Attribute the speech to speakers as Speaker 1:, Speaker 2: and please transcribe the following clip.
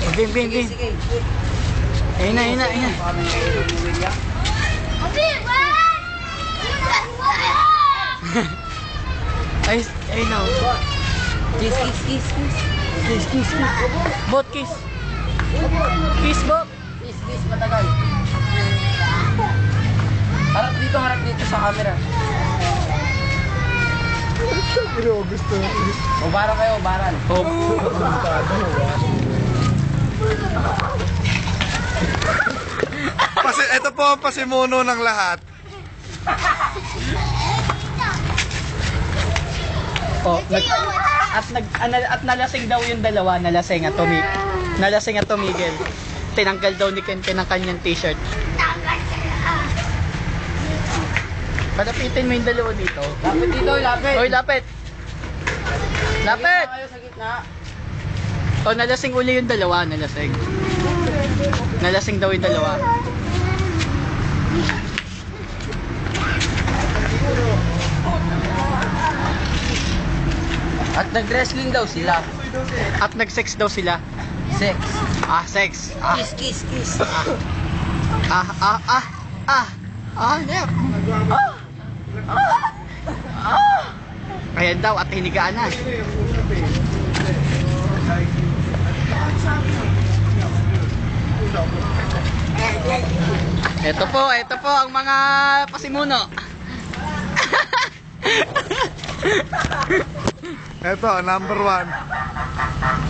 Speaker 1: Bim, bim, bim. Ayun na, ayun na, ayun na. Ay, ayun na.
Speaker 2: Kiss, kiss, kiss, kiss.
Speaker 1: Kiss, kiss, kiss. Bot, kiss. Kiss, bot.
Speaker 2: Kiss, kiss, matagal. Harap dito sa camera.
Speaker 3: Pero gusto.
Speaker 2: Ubaran kayo, ubaran.
Speaker 1: Oh.
Speaker 3: Ito po ang pasimuno ng lahat.
Speaker 1: Oh, at nalasing daw yung dalawa, nalasing at tumigil. Tinanggal daw ni Ken ang kanyang t-shirt. Palapitin mo yung dalawa dito.
Speaker 2: Lapit dito, lapit.
Speaker 1: Hoy, lapit! Lapit!
Speaker 2: Kayo sa gitna.
Speaker 1: Oh, nalasing uli yung dalawa, nalasing. Nalasing daw yung dalawa.
Speaker 2: At nag-wrestling daw sila.
Speaker 1: At nag-sex daw sila.
Speaker 2: Sex.
Speaker 1: Ah, sex. Ah,
Speaker 2: Kiss, kiss, kiss.
Speaker 1: Nep. Ayan daw, at hinigaan na. Ito po ang mga pasimuno.
Speaker 3: Ito, number 1.